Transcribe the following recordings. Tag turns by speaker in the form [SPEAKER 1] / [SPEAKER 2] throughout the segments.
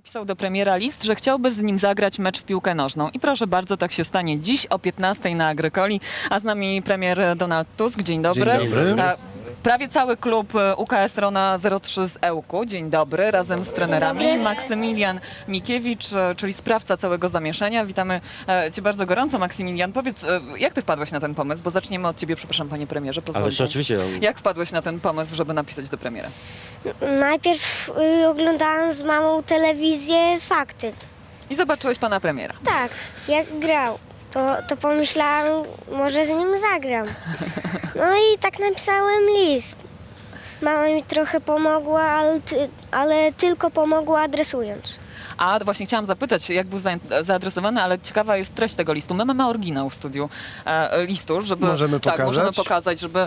[SPEAKER 1] napisał do premiera list, że chciałby z nim zagrać mecz w piłkę nożną. I proszę bardzo, tak się stanie dziś o 15 na Agrykoli. A z nami premier Donald Tusk. Dzień dobry.
[SPEAKER 2] Dzień dobry.
[SPEAKER 1] Prawie cały klub UKS Rona 03 z Ełku. Dzień dobry, razem z trenerami. Maksymilian Mikiewicz, czyli sprawca całego zamieszania. Witamy Cię bardzo gorąco, Maksymilian. Powiedz, jak Ty wpadłeś na ten pomysł? Bo zaczniemy od Ciebie, przepraszam, panie premierze.
[SPEAKER 2] Ależ oczywiście.
[SPEAKER 1] Jak wpadłeś na ten pomysł, żeby napisać do premiera?
[SPEAKER 3] Najpierw oglądałam z mamą telewizję Fakty.
[SPEAKER 1] I zobaczyłeś pana premiera.
[SPEAKER 3] Tak, jak grał. To pomyślałam, może z nim zagram. No i tak napisałem list. Mama mi trochę pomogła, ale tylko pomogła adresując.
[SPEAKER 1] A właśnie chciałam zapytać, jak był zaadresowany, ale ciekawa jest treść tego listu. My mamy oryginał w studiu listu, żeby
[SPEAKER 2] Możemy
[SPEAKER 1] tak,
[SPEAKER 2] pokazać?
[SPEAKER 1] możemy pokazać, żeby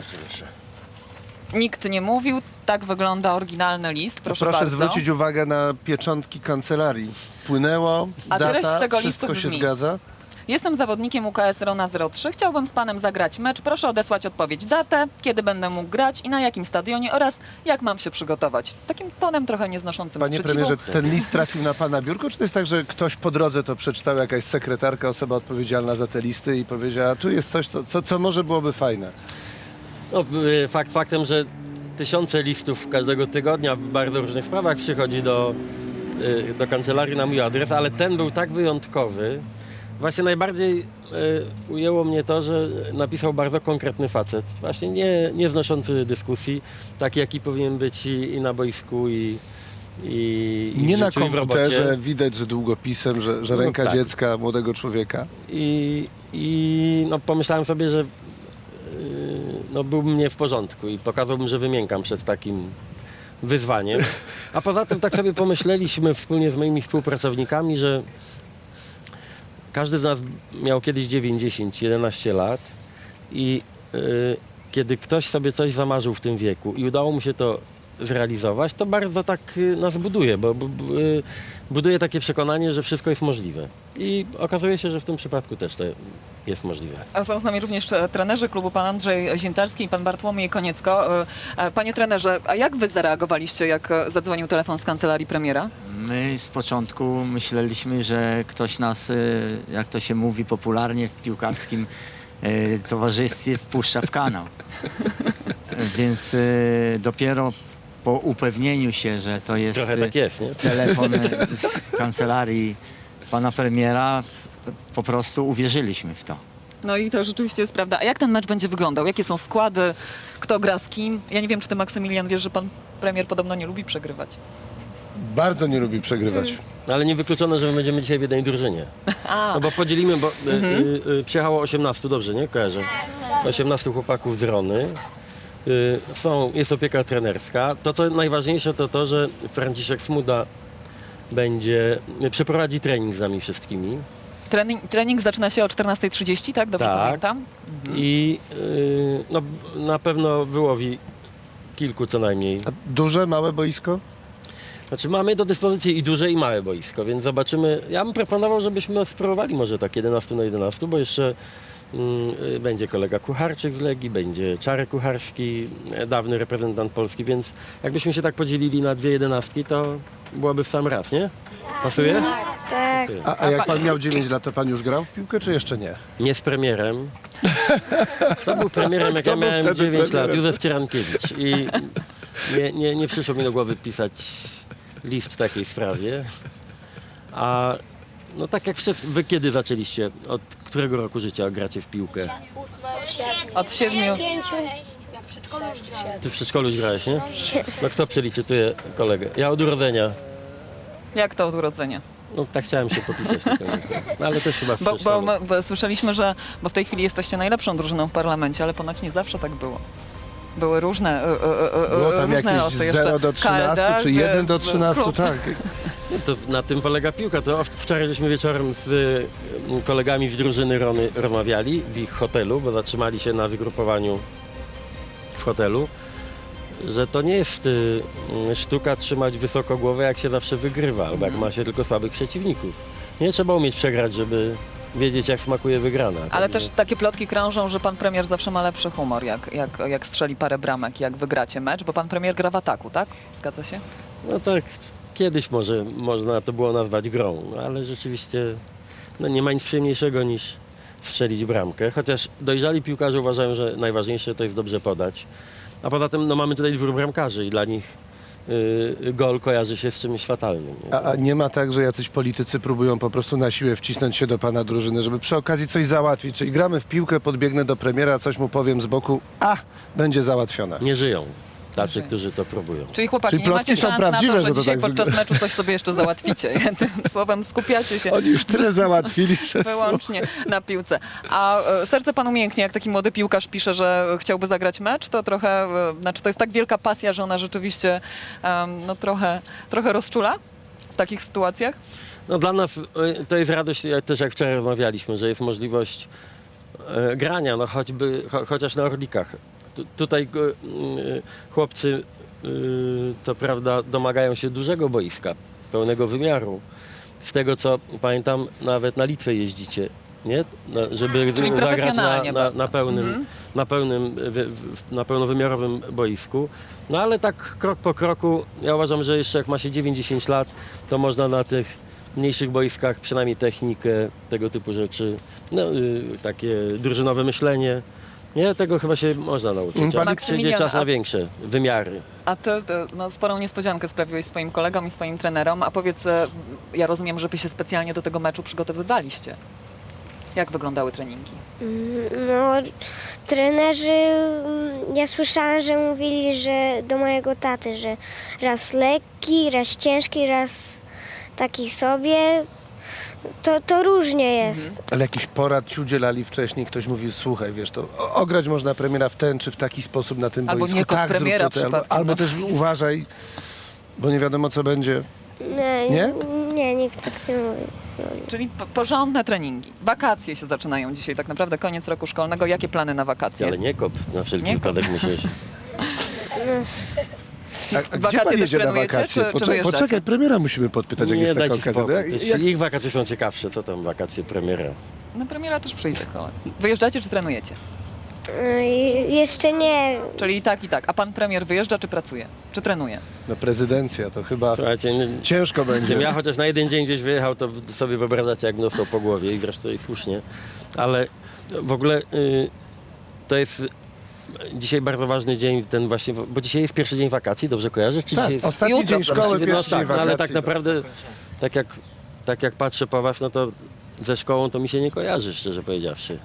[SPEAKER 1] nikt nie mówił. Tak wygląda oryginalny list. Proszę bardzo.
[SPEAKER 2] zwrócić uwagę na pieczątki kancelarii. Wpłynęło,
[SPEAKER 1] A treść
[SPEAKER 2] data,
[SPEAKER 1] tego
[SPEAKER 2] wszystko
[SPEAKER 1] listu
[SPEAKER 2] się
[SPEAKER 1] brzmi:
[SPEAKER 2] zgadza.
[SPEAKER 1] Jestem zawodnikiem UKS Rona 03. Chciałbym z panem zagrać mecz. Proszę odesłać odpowiedź, datę, kiedy będę mógł grać i na jakim stadionie oraz jak mam się przygotować. Takim tonem trochę nieznoszącym
[SPEAKER 2] Panie
[SPEAKER 1] sprzeciwu.
[SPEAKER 2] premierze, ten list trafił na pana biurko, czy to jest tak, że ktoś po drodze to przeczytał, jakaś sekretarka, osoba odpowiedzialna za te listy i powiedziała, tu jest coś, co może byłoby fajne?
[SPEAKER 4] No, fakt faktem, że tysiące listów każdego tygodnia w bardzo różnych sprawach przychodzi do kancelarii na mój adres, ale ten był tak wyjątkowy. Właśnie najbardziej ujęło mnie to, że napisał bardzo konkretny facet. Właśnie nie znoszący dyskusji, taki jaki powinien być i na boisku, i
[SPEAKER 2] Nie
[SPEAKER 4] w
[SPEAKER 2] na
[SPEAKER 4] życiu, i w robocie.
[SPEAKER 2] komputerze, widać, że długopisem, że ręka
[SPEAKER 4] tak.
[SPEAKER 2] dziecka, młodego człowieka.
[SPEAKER 4] I no, pomyślałem sobie, że no, byłbym nie w porządku i pokazałbym, że wymiękam przed takim wyzwaniem. A poza tym tak sobie pomyśleliśmy wspólnie z moimi współpracownikami, że każdy z nas miał kiedyś 9, 10, 11 lat i kiedy ktoś sobie coś zamarzył w tym wieku i udało mu się to zrealizować, to bardzo tak nas buduje, bo buduje takie przekonanie, że wszystko jest możliwe. I okazuje się, że w tym przypadku też to jest możliwe.
[SPEAKER 1] A są z nami również trenerzy klubu, pan Andrzej Ziętarski i pan Bartłomiej Koniecko. Panie trenerze, a jak wy zareagowaliście, jak zadzwonił telefon z kancelarii premiera?
[SPEAKER 5] My z początku myśleliśmy, że ktoś nas, jak to się mówi popularnie w piłkarskim towarzystwie, wpuszcza w kanał. Więc dopiero po upewnieniu się, że to jest,
[SPEAKER 4] Trochę tak jest, nie?
[SPEAKER 5] telefon z kancelarii pana premiera, po prostu uwierzyliśmy w to.
[SPEAKER 1] No i to rzeczywiście jest prawda. A jak ten mecz będzie wyglądał? Jakie są składy? Kto gra z kim? Ja nie wiem, czy ty, Maksymilian, wiesz, że pan premier podobno nie lubi przegrywać.
[SPEAKER 2] Bardzo nie lubi przegrywać.
[SPEAKER 4] No, ale niewykluczone, że my będziemy dzisiaj w jednej drużynie. No bo podzielimy, bo przyjechało 18, dobrze, nie? Kojarzę. 18 chłopaków z Rony. Jest opieka trenerska. To, co najważniejsze, to to, że Franciszek Smuda przeprowadzi trening z nami wszystkimi.
[SPEAKER 1] Trening zaczyna się o 14:30, tak? Dobrze
[SPEAKER 4] Tak.
[SPEAKER 1] pamiętam?
[SPEAKER 4] I no, na pewno wyłowi kilku co najmniej.
[SPEAKER 2] A duże, małe boisko?
[SPEAKER 4] Znaczy mamy do dyspozycji i duże i małe boisko, więc zobaczymy. Ja bym proponował, żebyśmy spróbowali może tak 11 na 11, bo jeszcze będzie kolega Kucharczyk z Legii, będzie Czarek Kucharski, dawny reprezentant Polski, więc jakbyśmy się tak podzielili na dwie 11, to byłoby w sam raz, nie? Pasuje?
[SPEAKER 3] Tak.
[SPEAKER 2] A jak pan miał 9 lat, to pan już grał w piłkę, czy jeszcze nie?
[SPEAKER 4] Nie z premierem. Kto był premierem, jak
[SPEAKER 2] Kto
[SPEAKER 4] ja
[SPEAKER 2] był
[SPEAKER 4] miałem
[SPEAKER 2] wtedy
[SPEAKER 4] 9 lat?
[SPEAKER 2] premierem?
[SPEAKER 4] Józef Cyrankiewicz. I nie przyszło mi do głowy pisać list w takiej sprawie. A no tak jak wszyscy, wy kiedy zaczęliście? Od którego roku życia gracie w piłkę?
[SPEAKER 1] Od 7.
[SPEAKER 4] Ty w przedszkolu już grałeś, nie? No kto przeliczytuje kolegę? Ja od urodzenia.
[SPEAKER 1] Jak to od urodzenia?
[SPEAKER 4] No tak chciałem się popisać. Tylko, no, ale też chyba w
[SPEAKER 1] Bo
[SPEAKER 4] przedszkolu.
[SPEAKER 1] słyszeliśmy, że w tej chwili jesteście najlepszą drużyną w parlamencie, ale ponoć nie zawsze tak było. Były różne
[SPEAKER 2] Było tam
[SPEAKER 1] różne
[SPEAKER 2] jakieś
[SPEAKER 1] losy.
[SPEAKER 2] 0 do 13, czy 1 do 13,
[SPEAKER 1] klub.
[SPEAKER 2] tak.
[SPEAKER 4] To na tym polega piłka. To wczoraj żeśmy wieczorem z kolegami z drużyny Rony rozmawiali w ich hotelu, bo zatrzymali się na zgrupowaniu w hotelu, że to nie jest sztuka trzymać wysoko głowę, jak się zawsze wygrywa, albo jak ma się tylko słabych przeciwników. Nie trzeba umieć przegrać, żeby wiedzieć, jak smakuje wygrana.
[SPEAKER 1] Ale
[SPEAKER 4] Także-
[SPEAKER 1] też takie plotki krążą, że pan premier zawsze ma lepszy humor, jak strzeli parę bramek, jak wygracie mecz, bo pan premier gra w ataku, tak? Zgadza się?
[SPEAKER 4] No tak, kiedyś może można to było nazwać grą, no, ale rzeczywiście no, nie ma nic przyjemniejszego niż strzelić bramkę, chociaż dojrzali piłkarze uważają, że najważniejsze to jest dobrze podać. A poza tym no, mamy tutaj 2 bramkarzy i dla nich gol kojarzy się z czymś fatalnym. Nie?
[SPEAKER 2] A nie ma tak, że jacyś politycy próbują po prostu na siłę wcisnąć się do pana drużyny, żeby przy okazji coś załatwić? Czyli gramy w piłkę, podbiegnę do premiera, coś mu powiem z boku, będzie załatwione.
[SPEAKER 4] Nie żyją tacy,
[SPEAKER 1] żyją.
[SPEAKER 4] którzy to próbują.
[SPEAKER 1] Czyli chłopaki,
[SPEAKER 2] Czyli
[SPEAKER 1] nie macie
[SPEAKER 2] plotki są
[SPEAKER 1] szans
[SPEAKER 2] prawdziwe,
[SPEAKER 1] na
[SPEAKER 2] że
[SPEAKER 1] to,
[SPEAKER 2] to
[SPEAKER 1] że dzisiaj
[SPEAKER 2] tak
[SPEAKER 1] podczas
[SPEAKER 2] wygląda.
[SPEAKER 1] meczu coś sobie jeszcze załatwicie. Tym słowem skupiacie się
[SPEAKER 2] Oni już tyle załatwili przez
[SPEAKER 1] wyłącznie na piłce. A serce panu mięknie, jak taki młody piłkarz pisze, że chciałby zagrać mecz, to trochę, znaczy to jest tak wielka pasja, że ona rzeczywiście no trochę rozczula w takich sytuacjach?
[SPEAKER 4] No dla nas to jest radość, też jak wczoraj rozmawialiśmy, że jest możliwość grania, no choćby, chociaż na Orlikach. Tutaj chłopcy, to prawda, domagają się dużego boiska, pełnego wymiaru. Z tego co pamiętam, nawet na Litwę jeździcie, nie? Żeby
[SPEAKER 1] Czyli
[SPEAKER 4] zagrać
[SPEAKER 1] profesjonalnie bardzo.
[SPEAKER 4] na pełnowymiarowym boisku. No ale tak krok po kroku, ja uważam, że jeszcze jak ma się 9-10 lat, to można na tych mniejszych boiskach przynajmniej technikę, tego typu rzeczy, no, takie drużynowe myślenie. Nie, tego chyba się można nauczyć, ale przyjdzie
[SPEAKER 1] Maksymilian,
[SPEAKER 4] czas na większe wymiary.
[SPEAKER 1] A ty no, sporą niespodziankę sprawiłeś swoim kolegom i swoim trenerom, a powiedz, ja rozumiem, że wy się specjalnie do tego meczu przygotowywaliście. Jak wyglądały treningi?
[SPEAKER 3] No, trenerzy, ja słyszałam, że mówili, że do mojego taty, że raz lekki, raz ciężki, raz taki sobie. To różnie jest.
[SPEAKER 2] Ale jakiś porad ci udzielali wcześniej, ktoś mówił, słuchaj, wiesz, to ograć można premiera w ten czy w taki sposób na tym
[SPEAKER 1] Albo
[SPEAKER 2] boisku.
[SPEAKER 1] nie kop
[SPEAKER 2] Tak, zrób
[SPEAKER 1] premiera
[SPEAKER 2] to, albo,
[SPEAKER 1] przypadkiem,
[SPEAKER 2] albo
[SPEAKER 1] no.
[SPEAKER 2] też uważaj, bo nie wiadomo co będzie. Nie?
[SPEAKER 3] Nie, nikt tak nie mówi.
[SPEAKER 1] Czyli porządne treningi. Wakacje się zaczynają dzisiaj, tak naprawdę koniec roku szkolnego. Jakie plany na wakacje?
[SPEAKER 4] Ale nie kop, na wszelki
[SPEAKER 1] Nie kop.
[SPEAKER 4] wypadek musisz.
[SPEAKER 2] A gdzie
[SPEAKER 1] Wakacje
[SPEAKER 2] pan
[SPEAKER 1] też
[SPEAKER 2] jedzie na
[SPEAKER 1] trenujecie,
[SPEAKER 2] wakacje?
[SPEAKER 1] czy wyjeżdżacie?
[SPEAKER 2] Poczekaj, premiera musimy podpytać, jak
[SPEAKER 4] Nie,
[SPEAKER 2] jest taka
[SPEAKER 4] dajcie
[SPEAKER 2] okazja.
[SPEAKER 4] spokój.
[SPEAKER 2] Jak-
[SPEAKER 4] Ich wakacje są ciekawsze, co tam wakacje premiera.
[SPEAKER 1] No premiera też przyjdzie kolej. Wyjeżdżacie czy trenujecie?
[SPEAKER 3] Jeszcze nie.
[SPEAKER 1] Czyli i tak, i tak. A pan premier wyjeżdża czy pracuje? Czy trenuje?
[SPEAKER 2] No prezydencja, to chyba
[SPEAKER 4] Słuchajcie,
[SPEAKER 2] ciężko będzie.
[SPEAKER 4] gdybym ja chociaż na jeden dzień gdzieś wyjechał, to sobie wyobrażacie, jak dostał po głowie i zresztą i słusznie. Ale w ogóle to jest dzisiaj bardzo ważny dzień, ten właśnie, bo dzisiaj jest pierwszy dzień wakacji, dobrze kojarzę? Czy
[SPEAKER 2] Tak,
[SPEAKER 4] dzisiaj jest...
[SPEAKER 2] ostatni
[SPEAKER 1] Jutro,
[SPEAKER 2] dzień szkoły,
[SPEAKER 4] No
[SPEAKER 2] pierwszy dzień
[SPEAKER 4] tak, no,
[SPEAKER 2] wakacji.
[SPEAKER 4] ale tak naprawdę, tak jak patrzę po was, no to ze szkołą to mi się nie kojarzy, szczerze powiedziawszy.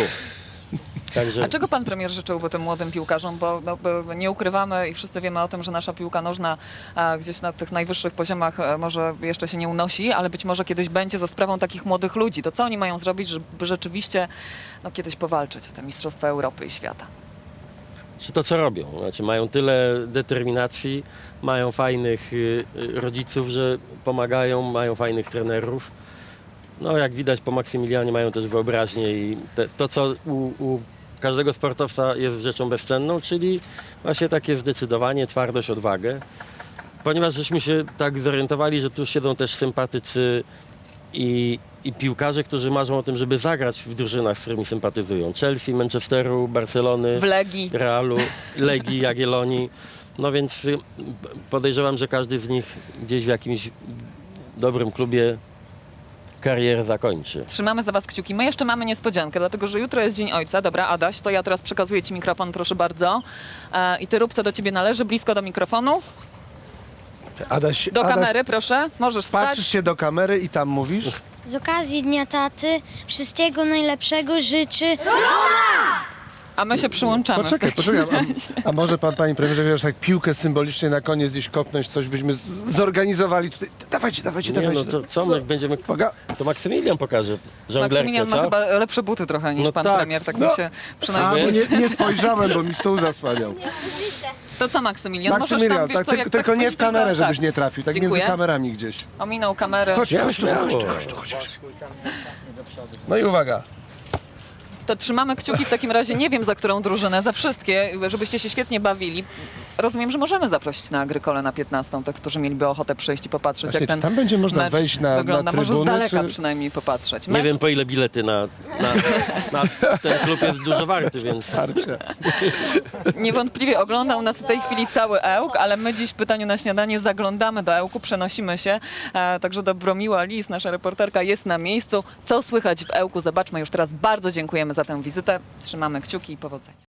[SPEAKER 4] Także
[SPEAKER 1] A czego pan premier życzyłby tym młodym piłkarzom? Bo nie ukrywamy i wszyscy wiemy o tym, że nasza piłka nożna gdzieś na tych najwyższych poziomach może jeszcze się nie unosi, ale być może kiedyś będzie za sprawą takich młodych ludzi. To co oni mają zrobić, żeby rzeczywiście kiedyś powalczyć o te Mistrzostwa Europy i świata?
[SPEAKER 4] czy to co robią? Znaczy mają tyle determinacji, mają fajnych rodziców, że pomagają, mają fajnych trenerów. No jak widać po Maksymilianie mają też wyobraźnię i to co u każdego sportowca jest rzeczą bezcenną, czyli właśnie takie zdecydowanie, twardość, odwagę. Ponieważ żeśmy się tak zorientowali, że tu siedzą też sympatycy i piłkarze, którzy marzą o tym, żeby zagrać w drużynach, z którymi sympatyzują. Chelsea, Manchesteru, Barcelony,
[SPEAKER 1] W Legii.
[SPEAKER 4] Realu, Legii, Jagiellonii. No więc podejrzewam, że każdy z nich gdzieś w jakimś dobrym klubie karierę zakończy.
[SPEAKER 1] Trzymamy za was kciuki. My jeszcze mamy niespodziankę, dlatego że jutro jest Dzień Ojca. Dobra, Adaś, to ja teraz przekazuję ci mikrofon, proszę bardzo. I ty rób, co do ciebie należy, blisko do mikrofonu.
[SPEAKER 2] Adaś,
[SPEAKER 1] Do kamery, proszę. Możesz
[SPEAKER 2] patrzysz
[SPEAKER 1] wstać.
[SPEAKER 2] się do kamery i tam mówisz?
[SPEAKER 6] Z okazji Dnia Taty wszystkiego najlepszego życzy
[SPEAKER 1] A my się przyłączamy.
[SPEAKER 2] Poczekaj. A może pan, panie premierze, wiesz, tak piłkę symbolicznie na koniec gdzieś kopnąć, coś byśmy zorganizowali tutaj. Dawajcie.
[SPEAKER 4] Nie, no to co, my będziemy... To Maksymilian pokaże żonglerkę,
[SPEAKER 1] Maksymilian ma
[SPEAKER 4] co?
[SPEAKER 1] chyba lepsze buty trochę niż
[SPEAKER 4] No
[SPEAKER 1] pan
[SPEAKER 4] tak.
[SPEAKER 1] premier, tak
[SPEAKER 2] No.
[SPEAKER 1] mi się
[SPEAKER 2] A,
[SPEAKER 1] przynajmniej...
[SPEAKER 2] bo nie spojrzałem, bo mi stół zasłaniał.
[SPEAKER 1] To co Maksymilian? Możesz
[SPEAKER 2] Maksymilian,
[SPEAKER 1] tam, wiesz
[SPEAKER 2] tak,
[SPEAKER 1] co, jak
[SPEAKER 2] tylko nie w kamerę,
[SPEAKER 1] tak.
[SPEAKER 2] żebyś nie trafił, tak
[SPEAKER 1] Dziękuję.
[SPEAKER 2] między kamerami gdzieś.
[SPEAKER 1] Ominął kamerę.
[SPEAKER 2] Chodź tu. No i uwaga.
[SPEAKER 1] To trzymamy kciuki w takim razie, nie wiem za którą drużynę, za wszystkie, żebyście się świetnie bawili. rozumiem, że możemy zaprosić na Agrykole na 15, tych, którzy mieliby ochotę przyjść i popatrzeć,
[SPEAKER 2] Właśnie,
[SPEAKER 1] jak ten
[SPEAKER 2] czy tam będzie można
[SPEAKER 1] mecz
[SPEAKER 2] wejść na
[SPEAKER 1] wygląda. Może z
[SPEAKER 2] trybuny,
[SPEAKER 1] daleka
[SPEAKER 2] czy...
[SPEAKER 1] przynajmniej popatrzeć.
[SPEAKER 4] Nie
[SPEAKER 1] Mecz
[SPEAKER 4] wiem, po ile bilety na ten klub jest dużo warty, więc
[SPEAKER 2] Tarcia.
[SPEAKER 1] niewątpliwie oglądał nas w tej chwili cały Ełk, ale my dziś w Pytaniu na Śniadanie zaglądamy do Ełku, przenosimy się także do Bromiła Lis, nasza reporterka jest na miejscu. Co słychać w Ełku? Zobaczmy już teraz. Bardzo dziękujemy za tę wizytę. Trzymamy kciuki i powodzenia.